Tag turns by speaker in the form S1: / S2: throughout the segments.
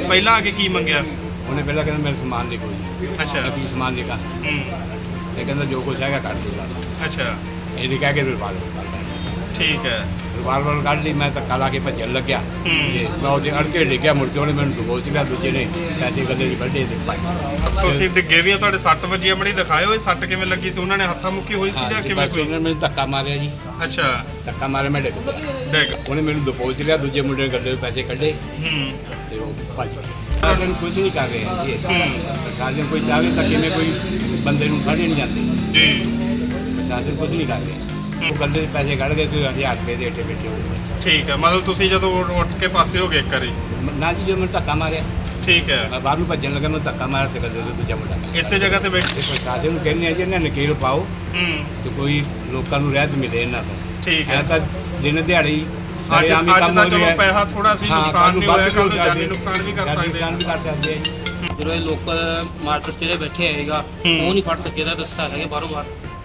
S1: ਪਹਿਲਾਂ ਆ ਕੇ ਕੀ ਮੰਗਿਆ?
S2: ਉਹਨੇ ਪਹਿਲਾਂ ਕਹਿੰਦਾ ਮੇਰੇ ਸਮਾਨ ਨਹੀਂ ਕੋਈ।
S1: ਅੱਛਾ।
S2: ਕੀ ਸਮਾਨ ਨਹੀਂ ਕਾ ਇਹ ਕਹਿੰਦਾ ਜੋ ਕੁਛ ਹੈਗਾ ਕੱਢ ਦੇ ਬਾਅਦ
S1: ਅੱਛਾ
S2: ਇਹਨੇ ਕਹਿ ਕੇ ਰਿਵਾਲਵਰ ਕੱਢ ਲਿਆ।
S1: ਠੀਕ ਹੈ।
S2: ਰਿਵਾਲਵਰ ਕੱਢ ਲਈ। ਮੈਂ ਧੱਕਾ ਲਾ ਕੇ ਭੱਜਣ ਲੱਗਿਆ ਤੇ ਮੈਂ ਉਹਦੇ ਅੜਕੇ ਡਿੱਗਿਆ। ਮੁੜ ਕੇ ਉਹਨੇ ਮੈਨੂੰ ਦਬੋਚ ਲਿਆ। ਦੂਜੇ ਨੇ ਪੈਸੇ ਗੱਲੇ ਦੀ ਵੱਡੇ ਦੇ ਪਾਈ।
S1: ਤੁਸੀਂ ਡਿੱਗੇ ਵੀ ਆ, ਤੁਹਾਡੇ 6 ਵਜੇ ਮੜੀ ਦਿਖਾਇਓ ਇਹ ਸੱਟ ਕਿਵੇਂ ਲੱਗੀ ਸੀ? ਉਹਨਾਂ ਨੇ ਹੱਥਾਂ ਮੁੱਕੀ ਹੋਈ ਸੀ ਜਾਂ ਕਿਵੇਂ? ਕੋਈ
S2: ਉਹਨੇ ਮੈਨੂੰ ਧੱਕਾ ਮਾਰਿਆ ਜੀ।
S1: ਅੱਛਾ।
S2: ਧੱਕਾ ਮਾਰਿਆ ਮੈਂ ਡਿੱਗ ਪਿਆ।
S1: ਡਿੱਗ
S2: ਉਹਨੇ ਮੈਨੂੰ ਦਬੋਚ ਲਿਆ। ਦੂਜੇ ਮੁੰਡੇ ਨੇ ਗੱਲੇ ਦੇ ਪੈਸੇ ਕੱਢੇ ਤੇ ਉਹ ਭੱਜ ਗਿਆ। ਪ੍ਰਸ਼ਾਸਨ ਕੁਝ ਨਹੀਂ ਕਰ ਰਿਹਾ ਜੀ। ਪ੍ਰਸ਼ਾਸਨ ਕੋਈ ਚਾਹੇ ਤਾਂ ਕਿਵੇਂ ਕੋਈ ਬੰਦੇ ਨੂੰ ਫੜੇ ਨਹੀਂ ਜਾਂਦੇ
S1: ਜੀ।
S2: ਪ੍ਰਸ਼ਾਸਨ ਕੁਝ ਨਹੀਂ ਕਰ ਰਿਹਾ। ਉਹ ਗੱਲੇ ਦੇ ਪੈਸੇ ਕੱਢ ਕੇ ਕੋਈ 1000 ਰੁਪਏ ਦੇ ਏਟੇ ਬੈਠੇ ਹੋਏ।
S1: ਠੀਕ ਹੈ। ਮਤਲਬ ਤੁਸੀਂ ਜਦੋਂ ਉੱਠ ਕੇ ਪਾਸੇ ਹੋ ਗਏ ਇੱਕ ਵਾਰੀ?
S2: ਨਾ ਜੀ, ਜਦੋਂ ਮੈਨੂੰ ਧੱਕਾ ਮਾਰਿਆ
S1: ਠੀਕ ਹੈ।
S2: ਮੈਂ ਬਾਹਰ ਨੂੰ ਭੱਜਣ ਲੱਗਾ। ਮੈਨੂੰ ਧੱਕਾ ਮਾਰਿਆ ਤੇ ਗੱਲੇ ਦੇ ਦੂਜਾ ਮੁੰਡਾ
S1: ਇਸੇ ਜਗ੍ਹਾ ਤੇ ਬੈਠ
S2: ਤੇ ਪ੍ਰਸ਼ਾਸਨ ਨੂੰ ਕਹਿੰਦੇ ਆ ਜੀ ਇਹਨਾਂ ਨਕੀਲ ਪਾਓ ਤੇ ਕੋਈ ਲੋਕਾਂ ਨੂੰ ਰਹਿਤ ਮਿਲੇ ਇਹਨਾਂ ਤੋਂ।
S1: ਠੀਕ ਹੈ।
S2: ਇਹ ਤਾਂ ਦਿਨ ਦਿਹਾੜੀ
S1: ਅੱਜ ਦਾ ਚਲੋ ਪੈਸਾ ਥੋੜਾ ਸੀ, ਨੁਕਸਾਨ ਨਹੀਂ ਹੋਇਆ, ਕੱਲ ਨੂੰ ਜਾਨੀ ਨੁਕਸਾਨ ਵੀ ਕਰ ਸਕਦੇ ਆ।
S3: ਜਦੋਂ ਇਹ ਲੋਕਲ ਮਾਰਕੀਟ 'ਚ ਬੈਠੇ ਹੈਗਾ ਉਹ ਨਹੀਂ ਫੜ ਸਕੇ ਤਾਂ ਦੱਸਿਆ ਹੈਗੇ ਬਾਹਰੋਂ ਬਾਹਰ।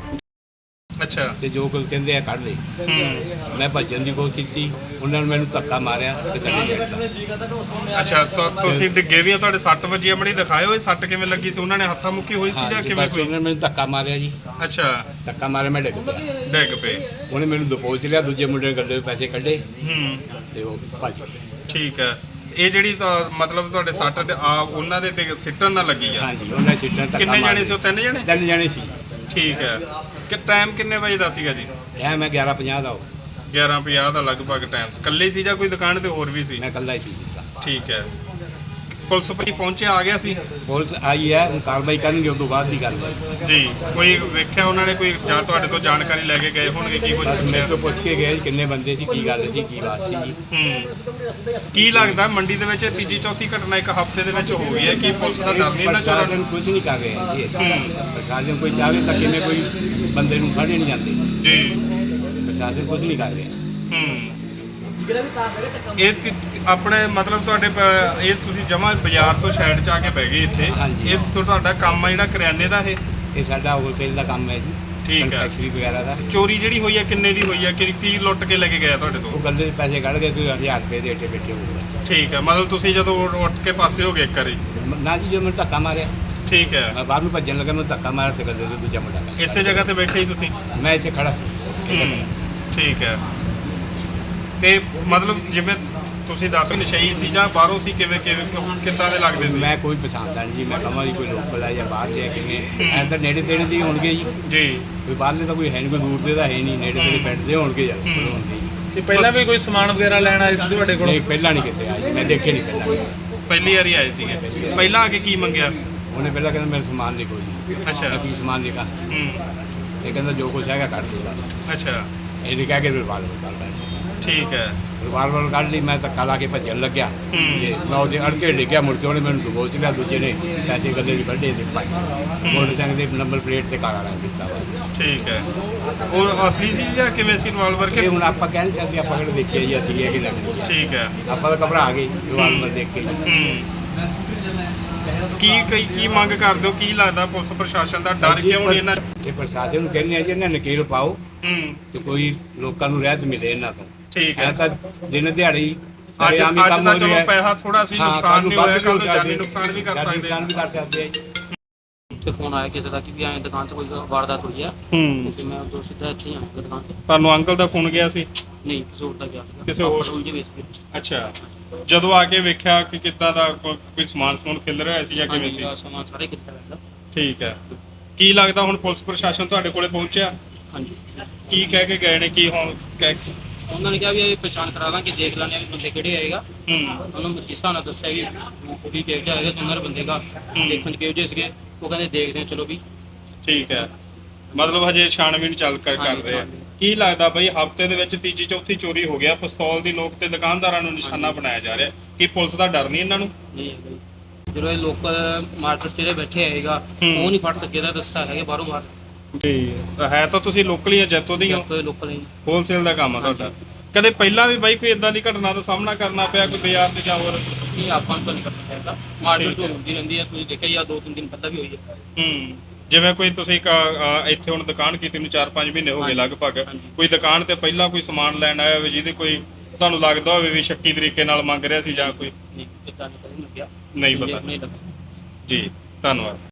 S1: ਅੱਛਾ।
S2: ਤੇ ਜੋ ਕੁਝ ਕਹਿੰਦੇ ਆ ਕੱਢ ਦੇ। ਮੈਂ ਭੱਜਣ ਦੀ ਕੋਸ਼ਿਸ਼ ਕੀਤੀ। ਉਹਨਾਂ ਨੇ ਮੈਨੂੰ ਧੱਕਾ ਮਾਰਿਆ ਤੇ ਗੱਲੇ ਛੱਡਤਾ।
S1: ਅੱਛਾ। ਤੁਸੀਂ ਡਿੱਗੇ ਵੀ ਆ, ਤੁਹਾਡੇ 6 ਵਜੇ ਮੜੀ ਦਿਖਾਇਓ ਇਹ ਸੱਟ ਕਿਵੇਂ ਲੱਗੀ ਸੀ? ਉਹਨਾਂ ਨੇ ਹੱਥਾਂ ਮੁੱਕੀ ਹੋਈ ਸੀ ਜਾਂ ਕਿਵੇਂ? ਕੋਈ
S2: ਉਹਨਾਂ ਨੇ ਮੈਨੂੰ ਧੱਕਾ ਮਾਰਿਆ ਜੀ।
S1: ਅੱਛਾ।
S2: ਧੱਕਾ ਮਾਰਿਆ ਮੈਂ ਡਿੱਗ ਪਿਆ।
S1: ਡਿੱਗ ਪਏ।
S2: ਉਹਨੇ ਮੈਨੂੰ ਦਬੋਚ ਲਿਆ। ਦੂਜੇ ਮੁੰਡੇ ਨੇ ਗੱਲੇ ਦੇ ਪੈਸੇ ਕੱਢੇ ਤੇ ਉਹ ਭੱਜ ਗਿਆ।
S1: ਠੀਕ ਹੈ। ਇਹ ਜਿਹੜੀ ਮਤਲਬ ਤੁਹਾਡੇ ਸੱਟ ਆ ਉਹਨਾਂ ਦੇ ਸਿੱਟਣ ਨਾਲ ਲੱਗੀ ਆ?
S2: ਹਾਂਜੀ, ਉਹਨਾਂ ਸਿੱਟਾਂ ਧੱਕਾ
S1: ਕਿੰਨੇ ਜਾਣੇ ਸੀ ਉਹ? 3 ਜਾਣੇ?
S2: 3 ਜਾਣੇ ਸੀ।
S1: ਠੀਕ ਹੈ। ਕਿ ਟਾਈਮ ਕਿੰਨੇ ਵਜੇ ਦਾ ਸੀਗਾ ਜੀ?
S2: ਇਹ ਮੈਂ 11:50 ਦਾ
S1: 11:50 ਦਾ ਲਗਭਗ ਟਾਈਮ ਸੀ। ਇਕੱਲੇ ਸੀ ਜਾਂ ਕੋਈ ਦੁਕਾਨ ਤੇ ਹੋਰ ਵੀ ਸੀ?
S2: ਮੈਂ ਇਕੱਲਾ ਹੀ ਸੀ।
S1: ਠੀਕ ਹੈ। ਪੁਲਿਸ ਭਾਈ ਪਹੁੰਚਿਆ, ਆ ਗਿਆ ਸੀ?
S2: ਪੁਲਿਸ ਆਈ ਹੈ, ਹੁਣ ਕਾਰਵਾਈ ਕਰਨਗੇ। ਉਸ ਤੋਂ ਬਾਅਦ ਦੀ ਗੱਲ ਹੈ
S1: ਜੀ। ਕੋਈ ਵੇਖਿਆ ਉਹਨਾਂ ਨੇ? ਕੋਈ ਜਾਂ ਤੁਹਾਡੇ ਤੋਂ ਜਾਣਕਾਰੀ ਲੈ ਕੇ ਗਏ ਹੋਣਗੇ? ਕੀ ਕੁਝ
S2: ਬਸ
S1: ਪੁੱਛਿਆ?
S2: ਮੇਰੇ ਤੋਂ ਪੁੱਛ ਕੇ ਗਏ ਕਿੰਨੇ ਬੰਦੇ ਸੀ, ਕੀ ਗੱਲ ਸੀ, ਕੀ ਬਾਤ ਸੀ ਜੀ।
S1: ਕੀ ਲੱਗਦਾ ਮੰਡੀ ਦੇ ਵਿੱਚ ਤੀਜੀ ਚੌਥੀ ਘਟਨਾ ਇੱਕ ਹਫ਼ਤੇ ਦੇ ਵਿੱਚ ਹੋ ਗਈ ਹੈ? ਕੀ ਪੁਲਿਸ ਦਾ ਡਰ ਨਹੀਂ ਇਹਨਾਂ ਚੋਰਾਂ
S2: ਪ੍ਰਸ਼ਾਸਨ ਕੁਝ ਨਹੀਂ ਕਰ ਰਿਹਾ ਜੀ। ਪ੍ਰਸ਼ਾਸਨ ਕੋਈ ਚਾਹੇ ਤਾਂ ਕਿਵੇਂ ਕੋਈ ਬੰਦੇ ਨੂੰ ਫੜੇ ਨਹੀਂ ਜਾਂਦੇ
S1: ਜੀ।
S2: ਪ੍ਰਸ਼ਾਸਨ ਕੁਝ ਨਹੀਂ ਕਰ ਰਿਹਾ।
S1: ਇਹ ਆਪਣੇ ਮਤਲਬ ਤੁਹਾਡੇ ਇਹ ਤੁਸੀਂ ਜਮਾ ਬਾਜ਼ਾਰ ਤੋਂ ਸਾਈਡ 'ਚ ਆ ਕੇ ਬਹਿ ਗਏ ਇੱਥੇ।
S2: ਹਾਂਜੀ।
S1: ਇਹ ਤੁਹਾਡਾ ਕੰਮ ਆ ਜਿਹੜਾ ਕਰਿਆਨੇ ਦਾ? ਇਹ
S2: ਸਾਡਾ ਹੋਲਸੇਲ ਦਾ ਕੰਮ ਹੈ ਜੀ।
S1: ਠੀਕ ਹੈ।
S2: ਫੈਕਟਰੀ ਵਗੈਰਾ ਦਾ।
S1: ਚੋਰੀ ਜਿਹੜੀ ਹੋਈ ਹੈ ਕਿੰਨੇ ਦੀ ਹੋਈ ਹੈ? ਕੀ ਲੁੱਟ ਕੇ ਲੈ ਕੇ ਗਿਆ ਤੁਹਾਡੇ ਤੋਂ?
S2: ਉਹ ਗੱਲੇ ਦੇ ਪੈਸੇ ਕੱਢ ਕੇ ਕੋਈ 1000 ਰੁਪਏ ਦੇ ਏਟੇ ਬੈਠੇ ਹੋਏ।
S1: ਠੀਕ ਹੈ। ਮਤਲਬ ਤੁਸੀਂ ਜਦੋਂ ਉੱਠ ਕੇ ਪਾਸੇ ਹੋ ਗਏ ਇੱਕ ਵਾਰੀ?
S2: ਨਾ ਜੀ, ਜਦੋਂ ਮੈਨੂੰ ਧੱਕਾ ਮਾਰਿਆ
S1: ਠੀਕ ਹੈ।
S2: ਮੈਂ ਬਾਹਰ ਨੂੰ ਭੱਜਣ ਲੱਗਾ। ਮੈਨੂੰ ਧੱਕਾ ਮਾਰਿਆ ਤੇ ਗੱਲੇ ਦੇ ਦੂਜਾ ਮੁੰਡਾ
S1: ਇਸੇ ਜਗ੍ਹਾ ਤੇ ਬੈਠੇ ਹੀ ਤੁਸੀਂ?
S2: ਮੈਂ ਇੱਥੇ ਖੜਾ ਸੀ।
S1: ਠੀਕ ਹੈ। ਤੇ ਮਤਲਬ ਜਿਵੇਂ ਤੁਸੀਂ ਦੱਸ ਨਸ਼ਈ ਸੀ ਜਾਂ ਬਾਹਰੋਂ ਸੀ? ਕਿਵੇਂ ਕਿੱਦਾਂ ਦੇ ਲੱਗਦੇ ਸੀ?
S2: ਮੈਂ ਕੋਈ ਪਛਾਣਦਾ ਨਹੀਂ ਜੀ। ਮੈਂ ਕਹਾਂ ਜੀ ਕੋਈ ਲੋਕਲ ਆ ਜਾਂ ਬਾਹਰ ਦੇ ਕਿਵੇਂ ਐਂ ਤਾਂ ਨੇੜੇ ਤੇੜੇ ਦੇ ਹੋਣਗੇ ਜੀ।
S1: ਜੀ।
S2: ਕੋਈ ਬਾਹਰਲੇ ਤਾਂ ਕੋਈ ਹੈ ਨਹੀਂ, ਕੋਈ ਦੂਰ ਦੇ ਤਾਂ ਹੈ ਨਹੀਂ। ਨੇੜੇ ਤੇੜੇ ਪਿੰਡ ਦੇ ਹੋਣਗੇ ਜਾਂ ਹੋਣਗੇ ਜੀ।
S4: ਤੇ ਪਹਿਲਾਂ ਵੀ ਕੋਈ ਸਮਾਨ ਵਗੈਰਾ ਲੈਣ ਆਏ ਸੀ ਤੁਹਾਡੇ ਕੋਲ?
S2: ਨਹੀਂ, ਪਹਿਲਾਂ ਨਹੀਂ ਕਿਤੇ ਆਇਆ ਜੀ। ਮੈਂ ਦੇਖੇ ਨਹੀਂ ਪਹਿਲਾਂ।
S1: ਪਹਿਲੀ ਵਾਰੀ ਆਏ ਸੀਗੇ? ਪਹਿਲਾਂ ਆ ਕੇ ਕੀ ਮੰਗਿਆ?
S2: ਉਹਨੇ ਪਹਿਲਾਂ ਕਹਿੰਦਾ ਮੇਰੇ ਸਮਾਨ ਨਹੀਂ ਕੋਈ।
S1: ਅੱਛਾ।
S2: ਮੈਂ ਕੀ ਸਮਾਨ ਨਹੀਂ ਕਾ ਇਹ ਕਹਿੰਦਾ ਜੋ ਕੁਛ ਹੈਗਾ ਕੱਢ ਦੇ ਬਾਅਦ
S1: ਅੱਛਾ।
S2: ਇਹਨੇ ਕਹਿ ਕੇ ਰਿਵਾਲਵਰ ਕੱਢ ਲਿਆ।
S1: ਠੀਕ ਹੈ।
S2: ਰਿਵਾਲਵਰ ਕੱਢ ਲਈ। ਮੈਂ ਧੱਕਾ ਲਾ ਕੇ ਭੱਜਣ ਲੱਗਿਆ ਤੇ ਮੈਂ ਉਹਦੇ ਅੜਕੇ ਡਿੱਗਿਆ। ਮੁੜ ਕੇ ਉਹਨੇ ਮੈਨੂੰ ਦਬੋਚ ਲਿਆ। ਦੂਜੇ ਨੇ ਪੈਸੇ ਗੱਲੇ ਦੀ ਵੱਡੇ ਦੇ ਪਾਈ। ਮੋਟਰਸਾਈਕਲ ਦੇ ਨੰਬਰ ਪਲੇਟ ਤੇ ਕਾਲਾ ਰੰਗ ਕੀਤਾ ਵਾ।
S1: ਠੀਕ ਹੈ। ਉਹ ਅਸਲੀ ਸੀ ਜਾਂ ਕਿਵੇਂ ਸੀ ਰਿਵਾਲਵਰ?
S2: ਇਹ ਹੁਣ ਆਪਾਂ ਕਹਿ ਨਹੀਂ ਸਕਦੇ। ਆਪਾਂ ਕਿਹੜੇ ਦੇਖਿਆ ਜੀ ਅਸੀਂ ਇਹ ਕਿ ਨਕਲੀ ਹੈ।
S1: ਠੀਕ ਹੈ।
S2: ਆਪਾਂ ਤਾਂ ਘਬਰਾ ਗਏ ਰਿਵਾਲਵਰ ਦੇਖ ਕੇ ਜੀ।
S1: ਕੀ ਮੰਗ ਕਰਦੇ ਹੋ? ਕੀ ਲੱਗਦਾ ਪੁਲਿਸ ਪ੍ਰਸ਼ਾਸਨ ਦਾ ਡਰ ਕਿਉਂ ਨਹੀਂ ਇਹਨਾਂ?
S2: ਇਹ ਪ੍ਰਸ਼ਾਸਨ ਨੂੰ ਕਹਿੰਦੇ ਆ ਜੀ ਇਹਨਾਂ ਨਕੀਲ ਪਾਓ ਤੇ ਕੋਈ ਲੋਕਾਂ ਨੂੰ ਰਹਿਤ ਮਿਲੇ ਇਹਨਾਂ ਤੋਂ।
S1: ਠੀਕ ਹੈ।
S2: ਇਹ ਤਾਂ ਦਿਨ ਦਿਹਾੜੀ
S1: ਅੱਜ ਦਾ ਚਲੋ ਪੈਸਾ ਥੋੜਾ ਸੀ, ਨੁਕਸਾਨ ਨਹੀਂ ਹੋਇਆ, ਕੱਲ ਨੂੰ ਜਾਨੀ ਨੁਕਸਾਨ ਵੀ ਕਰ ਸਕਦੇ ਆ
S2: ਜੀ।
S3: ਤੇ ਫੋਨ ਆਇਆ ਕਿਸੇ ਦਾ ਕਿ ਵੀ ਐਂ ਦੁਕਾਨ ਤੇ ਕੋਈ ਵਾਰਦਾਤ ਹੋਈ ਆ ਤੇ ਮੈਂ ਉਦੋਂ ਸਿੱਧਾ ਇੱਥੇ ਹੀ ਆਇਆ ਦੁਕਾਨ ਤੇ।
S1: ਤੁਹਾਨੂੰ ਅੰਕਲ ਦਾ ਫੋਨ ਗਿਆ ਸੀ?
S3: ਨਹੀਂ, ਕਿਸੇ ਹੋਰ ਦਾ ਗਿਆ ਸੀਗਾ।
S1: ਕਿਸੇ ਹੋਰ?
S3: ਉਲਝੇ ਵੇਚ ਕੇ।
S1: ਅੱਛਾ। ਜਦੋਂ ਆ ਕੇ ਵੇਖਿਆ ਕਿ ਕਿੱਦਾਂ ਦਾ ਕੋਈ ਸਮਾਨ ਖਿਲ ਰਿਹਾ ਸੀ ਜਾਂ ਕਿਵੇਂ ਸੀ?
S3: ਸਮਾਨ ਸਾਰੇ ਕਿੱਥੇ ਰਹਿੰਦਾ।
S1: ਠੀਕ ਹੈ। ਕੀ ਲੱਗਦਾ ਹੁਣ ਪੁਲਿਸ ਪ੍ਰਸ਼ਾਸਨ ਤੁਹਾਡੇ ਕੋਲੇ ਪਹੁੰਚਿਆ?
S3: ਹਾਂਜੀ।
S1: ਕੀ ਕਹਿ ਕੇ ਗਏ ਨੇ? ਕੀ ਹੁਣ
S3: ਉਹਨਾਂ ਨੇ ਕਿਹਾ ਵੀ ਇਹ ਪਛਾਣ ਕਰਾ ਦਾਂਗੇ, ਦੇਖ ਲੈਣੇ ਵੀ ਬੰਦੇ ਕਿਹੜੇ ਆਏਗਾ। ਉਹਨੂੰ ਜਿਸ ਹਿਸਾਬ ਨਾਲ ਦੱਸਿਆ ਵੀ ਕਿਹੋ ਜਿਹਾ ਹੈਗਾ ਸੁੰਦਰ ਬੰਦੇ ਦਾ, ਦੇਖਣ 'ਚ ਕਿਹੋ ਜਿਹੇ ਸੀਗੇ। ਉਹ ਕਹਿੰਦੇ ਦੇਖਦੇ ਹਾਂ ਚਲੋ ਵੀ।
S1: ਠੀਕ ਹੈ। ਮਤਲਬ ਹਜੇ ਛਾਣਬੀਣ ਚੱਲ ਕਰ ਰਹੇ ਆ। ਕੀ ਲੱਗਦਾ ਬਈ ਹਫ਼ਤੇ ਦੇ ਵਿੱਚ ਤੀਜੀ ਚੌਥੀ ਚੋਰੀ ਹੋ ਗਿਆ, ਪਿਸਤੌਲ ਦੀ ਨੋਕ ਤੇ ਦੁਕਾਨਦਾਰਾਂ ਨੂੰ ਨਿਸ਼ਾਨਾ ਬਣਾਇਆ ਜਾ ਰਿਹਾ? ਕੀ ਪੁਲਿਸ ਦਾ ਡਰ ਨਹੀਂ ਇਹਨਾਂ ਨੂੰ?
S3: ਨਹੀਂ ਹੈਗਾ ਜੀ। ਜਦੋਂ ਇਹ ਲੋਕਲ ਮਾਰਕੀਟ 'ਚ ਬੈਠੇ ਹੈਗਾ ਉਹ ਨਹੀਂ ਫੜ ਸਕੇ ਤਾਂ ਦੱਸਿਆ ਹੈਗੇ ਬਾਹਰੋਂ ਬਾਹਰ।
S1: ਜੀ। ਹੈ ਤਾਂ ਤੁਸੀਂ ਲੋਕਲ ਹੀ ਆ, ਜੈਤੋ ਦੇ ਹੀ ਹੋ?
S3: ਲੋਕਲ ਹੀ
S1: ਹੋਲਸੇਲ ਦਾ ਕੰਮ ਆ ਤੁਹਾਡਾ। ਕਦੇ ਪਹਿਲਾਂ ਵੀ ਬਾਈ ਕੋਈ ਇਦਾਂ ਦੀ ਘਟਨਾ ਦਾ ਸਾਹਮਣਾ ਕਰਨਾ ਪਿਆ ਕੋਈ ਬਾਜ਼ਾਰ 'ਚ ਜਾਂ ਹੋਰ?
S3: ਨਹੀਂ, ਆਪਾਂ ਨੂੰ ਤਾਂ ਨਹੀਂ ਕਰਨਾ ਚਾਹੀਦਾ। ਮਾਰਕੀਟ ਤੋਂ ਹੁੰਦੀ ਰਹਿੰਦੀ ਹੈ, ਤੁਸੀਂ ਦੇਖਿਆ ਜਾਂ 2-3 ਦਿਨ ਪਹਿਲਾਂ ਵੀ ਹੋਈ ਹੈ।
S1: ਜਿਵੇਂ ਕੋਈ ਤੁਸੀਂ ਇੱਥੇ ਹੁਣ ਦੁਕਾਨ ਕੀਤੀ ਨੂੰ 4-5 ਮਹੀਨੇ ਹੋ ਗਏ ਲਗਭਗ, ਕੋਈ ਦੁਕਾਨ ਤੇ ਪਹਿਲਾਂ ਕੋਈ ਸਮਾਨ ਲੈਣ ਆਇਆ ਹੋਵੇ ਜਿਹਦੀ ਕੋਈ ਤੁਹਾਨੂੰ ਲੱਗਦਾ ਹੋਵੇ ਵੀ ਸ਼ੱਕੀ ਤਰੀਕੇ ਨਾਲ ਮੰਗ ਰਿਹਾ ਸੀ ਜਾਂ ਕੋਈ
S3: ਨਹੀਂ ਇਦਾਂ ਨਹੀਂ ਕਦੇ ਲੱਗਿਆ
S1: ਨਹੀਂ
S3: ਮੈਨੂੰ
S1: ਪਤਾ
S3: ਨਹੀਂ ਲੱਗਾ
S1: ਜੀ ਧੰਨਵਾਦ